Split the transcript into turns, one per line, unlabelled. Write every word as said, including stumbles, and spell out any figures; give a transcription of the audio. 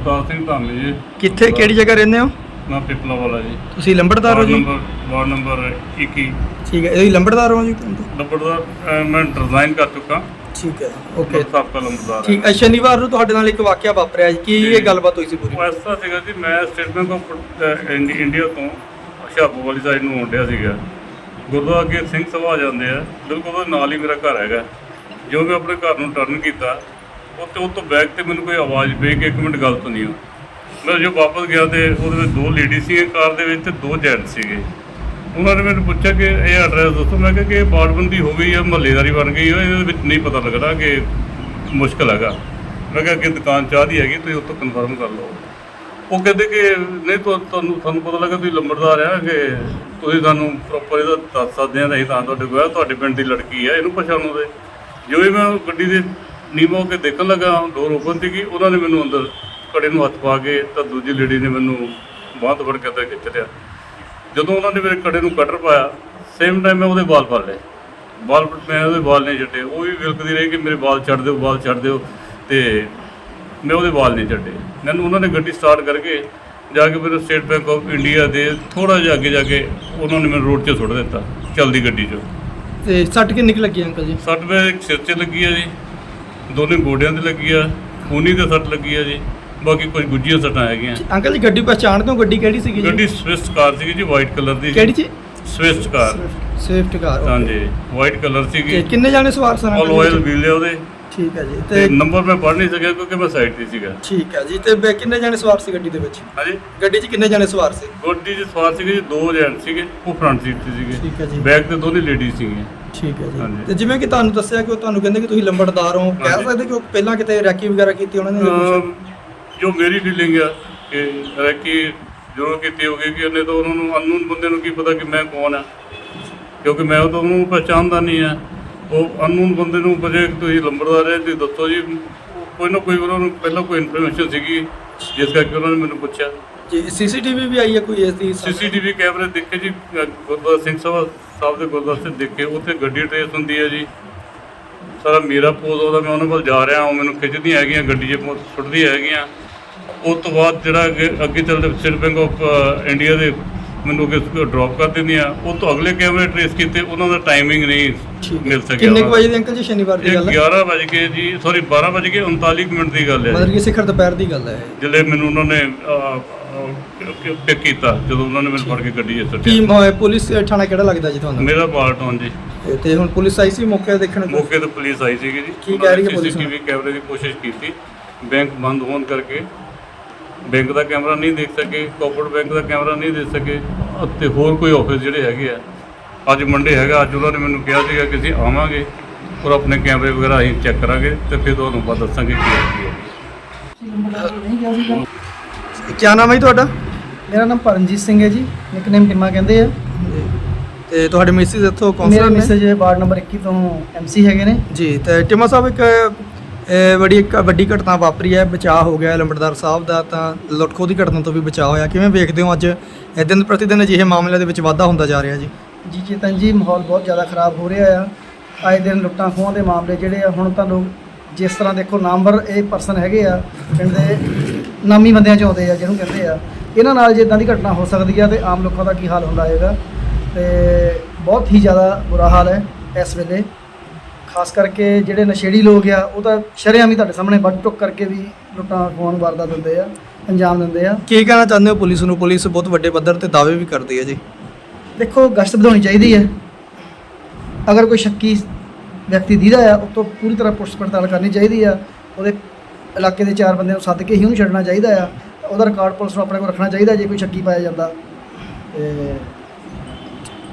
ਅਵਤਾਰ ਸਿੰਘ ਧਾਮੀ ਜੀ।
ਕਿੱਥੇ ਕਿਹੜੀ ਜਗ੍ਹਾ ਰਹਿੰਦੇ ਹੋ?
ਮੈਂ ਪਿਪਲਾ ਵਾਲਾ ਜੀ।
ਤੁਸੀਂ ਲੰਬੜਦਾਰ ਹੋ ਜੀ?
ਨੰਬਰ ਵਾਰਡ ਨੰਬਰ ਇੱਕੀ।
ਠੀਕ ਹੈ, ਇਹ ਲੰਬੜਦਾਰ ਹੋ ਜੀ?
ਲੰਬੜਦਾਰ ਮੈਂ ਰਿਜ਼ਾਈਨ ਕਰ ਚੁੱਕਾ।
ਠੀਕ ਹੈ, ਓਕੇ।
ਸਾਬਕਾ ਲੰਬੜਦਾਰ।
ਠੀਕ ਹੈ, ਸ਼ਨੀਵਾਰ ਨੂੰ ਤੁਹਾਡੇ ਨਾਲ ਇੱਕ ਵਾਕਿਆ ਵਾਪਰਿਆ ਜੀ, ਕੀ ਇਹ ਗੱਲਬਾਤ ਹੋਈ ਸੀ ਪੂਰੀ?
ਉਹ ਇਸ ਤਰ੍ਹਾਂ ਸੀਗਾ ਜੀ, ਮੈਂ ਸਟੇਟ ਬੈਂਕ ਆਫ ਇੰਡੀਆ ਤੋਂ ਹੁਸ਼ਿਆਰਪੁਰ ਵਾਲੀ ਸਾਈਡ ਨੂੰ ਆਉਣ ਡਿਆ ਸੀਗਾ। ਗੁਰਦੁਆਰਾ ਅੱਗੇ ਸਿੰਘ ਸਭਾ ਆ ਜਾਂਦੇ ਆ, ਬਿਲਕੁਲ ਉਹਦੇ ਨਾਲ ਹੀ ਮੇਰਾ ਘਰ ਹੈਗਾ। ਜੋ ਮੈਂ ਆਪਣੇ ਘਰ ਨੂੰ ਟਰਨ ਕੀਤਾ, ਉੱਥੇ ਉਹ ਤੋਂ ਬੈਕ 'ਤੇ ਮੈਨੂੰ ਕੋਈ ਆਵਾਜ਼ ਪਈ ਕਿ ਇੱਕ ਮਿੰਟ ਗੱਲ ਸੁਣੀ ਹੋ। ਮੈਂ ਜੋ ਵਾਪਸ ਗਿਆ ਤੇ ਉਹਦੇ ਵਿੱਚ ਦੋ ਲੇਡੀ ਸੀਗੇ ਕਾਰ ਦੇ ਵਿੱਚ ਤੇ ਦੋ ਜੈਂਟ ਸੀਗੇ। ਉਹਨਾਂ ਨੇ ਮੈਨੂੰ ਪੁੱਛਿਆ ਕਿ ਇਹ ਐਡਰੈਸ ਦੱਸੋ। ਮੈਂ ਕਿਹਾ ਕਿ ਇਹ ਬਾੜਬੰਦੀ ਹੋ ਗਈ ਹੈ, ਮਹੱਲੇਦਾਰੀ ਬਣ ਗਈ ਹੈ, ਇਹਦੇ ਵਿੱਚ ਨਹੀਂ ਪਤਾ ਲੱਗਦਾ ਕਿ ਮੁਸ਼ਕਿਲ ਹੈਗਾ। ਮੈਂ ਕਿਹਾ ਕਿ ਦੁਕਾਨ ਚਾਹ ਦੀ ਹੈਗੀ, ਤੁਸੀਂ ਉੱਥੋਂ ਕਨਫਰਮ ਕਰ ਲਓ। ਉਹ ਕਹਿੰਦੇ ਕਿ ਨਹੀਂ ਤੁਹਾਨੂੰ ਤੁਹਾਨੂੰ ਪਤਾ ਲੱਗਾ ਤੁਸੀਂ ਲੰਬੜਦਾਰ ਆ ਕਿ ਤੁਸੀਂ ਸਾਨੂੰ ਪ੍ਰੋਪਰ ਇਹਦਾ ਦੱਸ ਸਕਦੇ ਆ। ਨਹੀਂ ਤਾਂ ਤੁਹਾਡੇ ਕੋਲ ਤੁਹਾਡੇ ਪਿੰਡ ਦੀ ਲੜਕੀ ਆ, ਇਹਨੂੰ ਪਛਾਣੋ ਦੇ। ਜੋ ਹੀ ਮੈਂ ਗੱਡੀ ਦੇ ਨੀਵਾਂ ਹੋ ਕੇ ਦੇਖਣ ਲੱਗਾ, ਡੋਰ ਓਪਨ ਸੀਗੀ, ਉਹਨਾਂ ਨੇ ਮੈਨੂੰ ਅੰਦਰ ਕੜੇ ਨੂੰ ਹੱਥ ਪਾ ਕੇ ਤਾਂ ਦੂਜੀ ਲੇਡੀ ਨੇ ਮੈਨੂੰ ਬਾਂਹ ਤੋਂ ਫੜ ਕੇ ਅੰਦਰ ਖਿੱਚ ਲਿਆ। ਜਦੋਂ ਉਹਨਾਂ ਨੇ ਮੇਰੇ ਕੜੇ ਨੂੰ ਕਟਰ ਪਾਇਆ, ਸੇਮ ਟਾਈਮ ਮੈਂ ਉਹਦੇ ਵਾਲ ਫੜ ਲਏ। ਵਾਲ ਮੈਂ ਉਹਦੇ ਵਾਲ ਨਹੀਂ ਛੱਡੇ। ਉਹ ਵੀ ਵਿਲਕਦੀ ਰਹੀ ਕਿ ਮੇਰੇ ਵਾਲ ਛੱਡ ਦਿਓ, ਵਾਲ ਛੱਡ ਦਿਓ, ਅਤੇ ਮੈਂ ਉਹਦੇ ਵਾਲ ਨਹੀਂ ਛੱਡੇ। ਮੈਨੂੰ ਉਹਨਾਂ ਨੇ ਗੱਡੀ ਸਟਾਰਟ ਕਰਕੇ ਜਾ ਕੇ ਮੈਨੂੰ ਸਟੇਟ ਬੈਂਕ ਆਫ ਇੰਡੀਆ ਦੇ ਥੋੜ੍ਹਾ ਜਿਹਾ ਅੱਗੇ ਜਾ ਕੇ ਉਹਨਾਂ ਨੇ ਮੈਨੂੰ ਰੋਡ 'ਚ ਸੁੱਟ ਦਿੱਤਾ, ਚੱਲਦੀ ਗੱਡੀ 'ਚੋਂ।
ਤੇ ਸੱਟ ਕਿੰਨੀ ਕੁ ਲੱਗੀ ਅੰਕਲ ਜੀ?
ਸੱਟ ਮੇਰੇ ਇੱਕ ਸਿਰ 'ਚ ਲੱਗੀ ਆ ਜੀ, ਦੋਨੇ ਗੋਡਿਆਂ 'ਤੇ ਲੱਗੀ ਆ, ਖੂਨੀ 'ਤੇ ਸੱਟ ਲੱਗੀ ਆ ਜੀ, ਬਾਕੀ ਕੁਝ ਗੁੱਝੀਆਂ ਸੱਟਾਂ ਹੈਗੀਆਂ।
ਅੰਕਲ ਜੀ ਗੱਡੀ ਪਛਾਣਦੇ ਹੋ? ਗੱਡੀ ਕਿਹੜੀ ਸੀਗੀ ਜੀ?
ਗੱਡੀ ਸਵਿਫਟ ਕਾਰ ਸੀਗੀ ਜੀ, ਵਾਈਟ ਕਲਰ ਦੀ।
ਕਿਹੜੀ ਜੀ?
Swift car.
ਸਵਿਫਟ ਕਾਰ,
ਹਾਂਜੀ, ਵਾਈਟ ਕਲਰ ਸੀਗੀ।
ਕਿੰਨੇ ਜਾਣੇ ਸਵਾਰ ਸਨ?
ਆਲ ਆਇਲ ਵੀਲ ਆ ਉਹਦੇ।
ਠੀਕ ਹੈ ਜੀ।
ਤੇ
ਤੇ
ਨੰਬਰ ਮੈਂ ਪੜ੍ਹ ਨਹੀਂ ਸਕਿਆ ਕਿਉਂਕਿ ਮੈਂ ਸਾਈਡ 'ਤੇ ਸੀਗਾ।
ਠੀਕ ਹੈ ਜੀ। ਤੇ ਬੈ- ਕਿੰਨੇ ਜਾਣੇ ਸਵਾਰ ਸੀ ਗੱਡੀ ਦੇ ਵਿੱਚ?
ਹਾਂਜੀ,
ਗੱਡੀ 'ਚ ਕਿੰਨੇ ਜਾਣੇ ਸਵਾਰ ਸੀ?
ਗੱਡੀ 'ਚ ਸਵਾਰ ਸੀਗੇ ਜੀ ਦੋ ਜੈਂਟ ਸੀਗੇ, ਉਹ ਫਰੰਟ ਸੀਟ 'ਤੇ ਸੀਗੇ।
ਠੀਕ ਹੈ ਜੀ।
ਬੈਕ 'ਤੇ ਦੋਨੇ ਲੇਡੀਜ਼ ਸੀਗੀਆਂ।
ਠੀਕ ਹੈ ਜੀ।
ਹਾਂਜੀ।
ਤੇ ਜਿਵੇਂ ਕਿ ਤੁਹਾਨੂੰ ਦੱਸਿਆ ਕਿ ਉਹ ਤੁਹਾਨੂੰ ਕਹਿੰਦੇ ਕਿ ਤੁਸੀਂ ਲੰਬੜਦਾਰ ਹੋ, ਕਹਿ
ਹਾਂਜੀ।
ਸਕਦੇ ਕਿ ਉਹ ਪਹਿਲਾਂ ਕਿਤੇ ਰੈਕੀ ਵਗੈਰਾ ਕੀਤੀ ਉਹਨਾਂ ਨੇ ਜਾਂ ਕੁਛ?
ਅਮ ਜੋ ਮੇਰੀ ਫੀਲਿੰਗ ਆ ਕਿ ਰੈਕੀ ਜ਼ਰੂਰ ਕੀਤੀ ਹੋਗੀ ਕਿ ਉਹਨੇ ਤਾਂ ਉਹਨਾਂ ਨੂੰ ਅਨਨੋਨ ਬੰਦੇ ਨੂੰ ਕੀ ਪਤਾ ਕਿ ਮੈਂ ਕੌਣ ਆ, ਕਿਉਂਕਿ ਮੈਂ ਉਹ ਤਾਂ ਉਹਨੂੰ ਪਹਿਚਾਣਦਾ ਨਹੀਂ ਆ। ਉਹ ਅਨਨੋਨ ਬੰਦੇ ਨੂੰ ਪੁੱਛੇ ਕਿ ਤੁਸੀਂ ਲੰਬੜਦਾਰ ਹੈ, ਤੁਸੀਂ ਦੱਸੋ ਜੀ। ਕੋਈ ਨਾ ਕੋਈ ਉਹਨਾਂ ਨੂੰ ਪਹਿਲਾਂ ਕੋਈ ਇਨਫੋਰਮੇਸ਼ਨ ਸੀਗੀ, ਜਿਸ ਕਰਕੇ ਉਹਨਾਂ ਨੇ ਮੈਨੂੰ ਪੁੱਛਿਆ। ਜੀ
ਸੀਸੀਟੀਵੀ ਵੀ ਆਈ ਹੈ ਕੋਈ ਇਸ ਦੀ?
ਸੀਸੀਟੀਵੀ ਕੈਮਰੇ ਦੇਖੇ ਜੀ, ਗੁਰਦੁਆਰਾ ਸਿੰਘ ਸਭਾ ਸਾਹਿਬ ਦੇ ਗੁਰਦੁਆਰੇ 'ਤੇ ਦੇਖੇ, ਉੱਥੇ ਗੱਡੀ ਟਰੇਸ ਹੁੰਦੀ ਹੈ ਜੀ। ਸਾਰਾ ਮੇਰਾ ਪੋਜ਼ ਉਹਦਾ, ਮੈਂ ਉਹਨਾਂ ਕੋਲ ਜਾ ਰਿਹਾ, ਉਹ ਮੈਨੂੰ ਖਿੱਚਦੀਆਂ ਹੈਗੀਆਂ, ਗੱਡੀ 'ਚ ਸੁੱਟਦੀਆਂ ਹੈਗੀਆਂ। ਉਸ ਤੋਂ ਬਾਅਦ ਜਿਹੜਾ ਅੱਗੇ ਅੱਗੇ ਚੱਲਦੇ ਸਟੇਟ ਬੈਂਕ ਆਫ ਇੰਡੀਆ ਦੇ ਮੈਨੂੰ ਅੱਗੇ ਡ੍ਰੌਪ ਕਰ ਦਿੰਦੀਆਂ। ਉਹ ਤੋਂ ਅਗਲੇ ਕੈਮਰੇ ਟਰੇਸ ਕੀਤੇ, ਉਹਨਾਂ ਦਾ ਟਾਈਮਿੰਗ ਨਹੀਂ ਮਿਲ ਸਕਿਆ।
ਕਿੰਨੇ ਕੁ ਵਜੇ ਦੀ ਅੰਕਲ ਜੀ ਸ਼ਨੀਵਾਰ ਦੀ ਗੱਲ ਹੈ?
ਗਿਆਰਾਂ ਵਜੇ ਕੇ ਜੀ, ਸੌਰੀ ਬਾਰਾਂ ਵਜੇ ਕੇ ਉਨਤਾਲੀ ਮਿੰਟ ਦੀ ਗੱਲ ਹੈ।
ਮਤਲਬ ਕਿ ਸਿਖਰ ਦੁਪਹਿਰ ਦੀ ਗੱਲ ਹੈ
ਜਿਹੜੇ ਮੈਨੂੰ ਉਹਨਾਂ ਨੇ ਪਿਕ ਕੀਤਾ, ਜਦੋਂ ਉਹਨਾਂ ਨੇ ਮੈਨੂੰ ਫੜ ਕੇ ਗੱਡੀ 'ਚ
ਕੀ?
ਸੁੱਟਿਆ।
ਮ- ਪੁਲਿਸ ਥਾਣਾ ਕਿਹੜਾ ਲੱਗਦਾ ਜੀ ਤੁਹਾਨੂੰ?
ਮੇਰਾ ਪਾਰਟਨ ਜੀ।
ਤੇ ਹੁਣ ਪੁਲਿਸ ਆਈ ਸੀ ਮੌਕੇ ਦੇਖਣ?
ਮੌਕੇ ਤੇ ਪੁਲਿਸ ਆਈ ਸੀਗੀ ਜੀ।
ਕੀ ਕਹਿ ਰਹੀ ਹੈ ਪੁਲਿਸ?
ਸੀਸੀਟੀਵੀ ਕੈਮਰੇ ਦੀ ਕੋਸ਼ਿਸ਼ ਕੀਤੀ, ਬੈਂਕ ਬੰਦ ਹੋਣ ਕਰਕੇ ਬੈਂਕ ਦਾ ਕੈਮਰਾ ਨਹੀਂ ਦੇਖ ਸਕੇ, ਕੋਆਪਰੇਟਿਵ ਬੈਂਕ ਦਾ ਕੈਮਰਾ ਨਹੀਂ ਦੇਖ ਸਕੇ, ਅਤੇ ਹੋਰ ਕੋਈ ਆਫਿਸ ਜਿਹੜੇ ਹੈਗੇ ਆ। ਅੱਜ ਮੰਡੇ ਹੈਗਾ, ਅੱਜ ਉਹਨਾਂ ਨੇ ਮੈਨੂੰ ਕਿਹਾ ਸੀਗਾ ਕਿ ਅਸੀਂ ਆਵਾਂਗੇ ਔਰ ਆਪਣੇ ਕੈਮਰੇ ਵਗੈਰਾ ਅਸੀਂ ਚੈੱਕ ਕਰਾਂਗੇ ਤੇ ਫਿਰ ਤੁਹਾਨੂੰ ਬਾਅਦ ਦੱਸਾਂਗੇ ਕੀ ਹੈ।
ਕੀ ਨਾਮ ਹੈ ਜੀ ਤੁਹਾਡਾ?
ਮੇਰਾ ਨਾਮ ਪਰਮਜੀਤ ਸਿੰਘ ਹੈ ਜੀ, ਨਿਕਨੇਮ ਟਿਮਾ ਕਹਿੰਦੇ ਆ।
ਤੇ ਤੁਹਾਡੇ ਮਿਸਿਸ ਇੱਥੋਂ
ਮੇਰੇ
ਕਾਉਂਸਲਰ ਨੇ?
ਮੈਸੇਜ ਵਾਰਡ ਨੰਬਰ ਇੱਕੀ ਤੋਂ ਐਮਸੀ ਹੈਗੇ ਨੇ
ਜੀ। ਤੇ ਟਿਮਾ ਸਾਹਿਬ, ਇੱਕ ਇਹ ਬੜੀ ਇੱਕ ਵੱਡੀ ਘਟਨਾ ਵਾਪਰੀ ਹੈ, ਬਚਾਅ ਹੋ ਗਿਆ ਲੰਬੜਦਾਰ ਸਾਹਿਬ ਦਾ, ਤਾਂ ਲੁੱਟ ਖੋਹ ਦੀ ਘਟਨਾ ਤੋਂ ਵੀ ਬਚਾਅ ਹੋਇਆ। ਕਿਵੇਂ ਵੇਖਦੇ ਹੋ ਅੱਜ ਇਹ ਦਿਨ ਪ੍ਰਤੀ ਦਿਨ ਅਜਿਹੇ ਮਾਮਲਿਆਂ ਦੇ ਵਿੱਚ ਵਾਧਾ ਹੁੰਦਾ ਜਾ ਰਿਹਾ ਜੀ?
ਜੀ ਚੇਤਨ ਜੀ, ਮਾਹੌਲ ਬਹੁਤ ਜ਼ਿਆਦਾ ਖਰਾਬ ਹੋ ਰਿਹਾ ਆ। ਆਏ ਦਿਨ ਲੁੱਟਾਂ ਖੋਹਾਂ ਦੇ ਮਾਮਲੇ ਜਿਹੜੇ ਆ, ਹੁਣ ਤਾਂ ਲੋਕ ਜਿਸ ਤਰ੍ਹਾਂ ਦੇਖੋ ਨਾਮਵਰ ਇਹ ਪਰਸਨ ਹੈਗੇ ਆ, ਪਿੰਡ ਦੇ ਨਾਮੀ ਬੰਦਿਆਂ 'ਚ ਆਉਂਦੇ ਆ ਜਿਹਨੂੰ ਕਹਿੰਦੇ ਆ। ਇਹਨਾਂ ਨਾਲ ਜੇ ਇੱਦਾਂ ਦੀ ਘਟਨਾ ਹੋ ਸਕਦੀ ਆ ਤੇ ਆਮ ਲੋਕਾਂ ਦਾ ਕੀ ਹਾਲ ਹੁੰਦਾ ਹੋਏਗਾ। ਤੇ ਬਹੁਤ ਹੀ ਜ਼ਿਆਦਾ ਬੁਰਾ ਹਾਲ ਹੈ ਇਸ ਵੇਲੇ, ਖਾਸ ਕਰਕੇ ਜਿਹੜੇ ਨਸ਼ੇੜੀ ਲੋਕ ਆ ਉਹ ਤਾਂ ਸ਼ਰੇਆਮ ਹੀ ਤੁਹਾਡੇ ਸਾਹਮਣੇ ਵੱਢ ਟੁੱਕ ਕਰਕੇ ਵੀ ਲੁੱਟਾਂ ਖੋਹਾਂ ਨੂੰ ਵਾਰਦਾਤ ਦਿੰਦੇ ਆ, ਅੰਜਾਮ ਦਿੰਦੇ ਆ।
ਕੀ ਕਹਿਣਾ ਚਾਹੁੰਦੇ ਹੋ ਪੁਲਿਸ ਨੂੰ? ਪੁਲਿਸ ਬਹੁਤ ਵੱਡੇ ਪੱਧਰ ਤੇ ਦਾਅਵੇ ਵੀ ਕਰਦੀ ਹੈ ਜੀ।
ਦੇਖੋ, ਗਸ਼ਤ ਵਧਾਉਣੀ ਚਾਹੀਦੀ ਹੈ। ਅਗਰ ਕੋਈ ਸ਼ੱਕੀ ਵਿਅਕਤੀ ਦੀਦਾ ਆ, ਉਹ ਤੋਂ ਪੂਰੀ ਤਰ੍ਹਾਂ ਪੁੱਛ ਪੜਤਾਲ ਕਰਨੀ ਚਾਹੀਦੀ ਆ। ਉਹਦੇ ਇਲਾਕੇ ਦੇ ਚਾਰ ਬੰਦਿਆਂ ਨੂੰ ਸੱਦ ਕੇ ਹੀ ਉਹਨੂੰ ਛੱਡਣਾ ਚਾਹੀਦਾ ਆ। ਉਹਦਾ ਰਿਕਾਰਡ ਪੁਲਿਸ ਨੂੰ ਆਪਣੇ ਕੋਲ ਰੱਖਣਾ ਚਾਹੀਦਾ ਜੇ ਕੋਈ ਸ਼ੱਕੀ ਪਾਇਆ ਜਾਂਦਾ। ਤੇ